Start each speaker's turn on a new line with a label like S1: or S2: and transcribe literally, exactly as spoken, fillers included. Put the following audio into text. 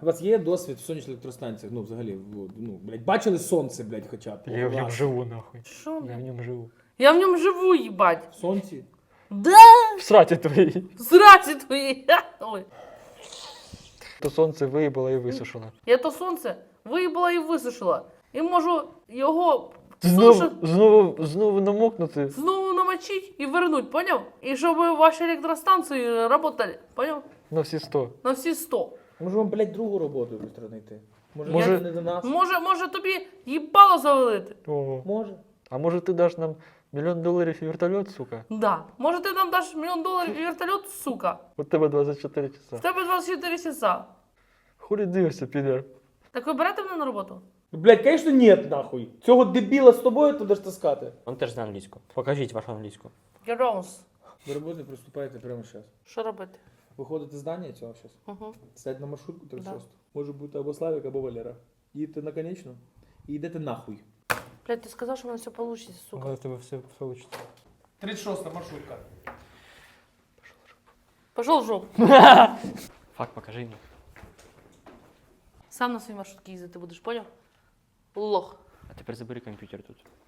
S1: У вас є досвід в сонячних електростанціях? Ну, взагалі, ну, блядь, бачили сонце, блядь, хоча б?
S2: Я в нем живу, нахуй.
S3: Що?
S2: Я в нем живу.
S3: Я в ньому живу, їбать.
S1: В сонці?
S3: Да,
S2: В сраті твоїй.
S3: зраці твої. Ой.
S2: То сонце виїбало і висушило.
S3: Я то сонце виїбала і висушила. І можу його
S2: Знову,
S3: сушу
S2: знову, знову намокнути.
S3: знову намочить і вернуть, поняв? І щоб ваші електростанції працювали, поняв?
S2: На всі сто.
S3: На всі сто.
S1: Може вам, блядь, другу роботу швидко знайти? Може,
S2: Може-
S1: я не до нас?
S3: Може, може тобі їбало завалити?
S2: Ого.
S1: Може.
S2: А може ти даш нам мільйон доларів і вертольот, сука?
S3: Да. Може ти нам даш мільйон доларів і вертольот, сука?
S2: У тебе двадцять чотири
S3: В
S2: часа.
S3: тебе двадцять чотири часа.
S2: Хулі дивишся, підер.
S3: Так ви берете мене на роботу?
S1: Блядь, конечно, нет, нахуй. Цього дебіла з тобою туди ж таскати.
S4: Он теж знає англійську. Покажіть вашу англійську.
S3: Геронс.
S1: До роботи приступаєте прямо зараз.
S3: Що робити?
S1: Виходите з здання цього зараз.
S3: Угу.
S1: Сядь на маршрутку тридцять шість. Може бути або Славік, або Валера. Їдете на конечну і йдете нахуй.
S3: Блядь, ти сказав, що в мене все вийде, сука.
S2: Але в тебе все вийде.
S1: тридцять шоста маршрутка.
S3: Пошел в жопу.
S4: Факт, покажи мені.
S3: Сам на своїй маршрутці їздити будеш, поняв? Лох.
S4: А тепер забери комп'ютер тут.